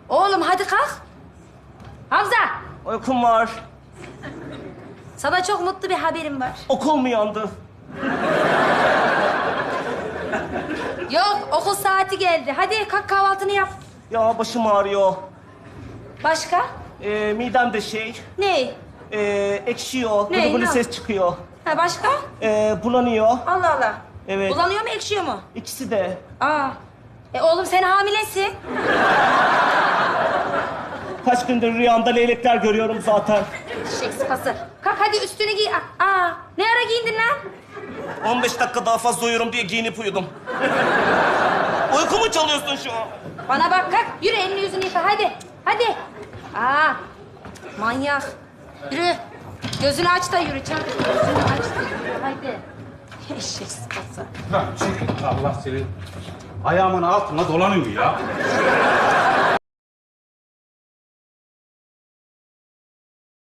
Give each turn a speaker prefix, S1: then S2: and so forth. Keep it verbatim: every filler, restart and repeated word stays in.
S1: Oğlum hadi kalk. Hamza,
S2: Uykum var.
S1: sana çok mutlu bir haberim var.
S2: Okul mu yandı?
S1: Yok, okul saati geldi. Hadi kalk kahvaltını yap.
S2: Ya başım ağrıyor.
S1: Başka?
S2: Ee, midem de şey,
S1: Ne?
S2: ee, ekşiyor.
S1: Ne,
S2: Gılı gılı
S1: ne?
S2: ses çıkıyor.
S1: Ha başka?
S2: Ee, bulanıyor.
S1: Allah Allah.
S2: Evet.
S1: Bulanıyor mu, ekşiyor mu?
S2: İkisi de.
S1: Aa. E oğlum sen hamilesin.
S2: Kaç gündür rüyamda leylekler görüyorum zaten.
S1: Şek sıpası. Kalk hadi üstünü giy. Aa, ne ara giyindin lan?
S2: on beş dakika daha fazla uyurum diye giyinip uyudum. Uykumu çalıyorsun şu an.
S1: Bana bak kalk. Yürü elini yüzünü yıka hadi. Hadi. Aa, manyak. Yürü. Gözünü aç da yürü çabuk. Gözünü aç da yürü. Hadi. Eşek sıpası.
S3: Lan çekil Allah senin ayağımın altına dolanıyor ya.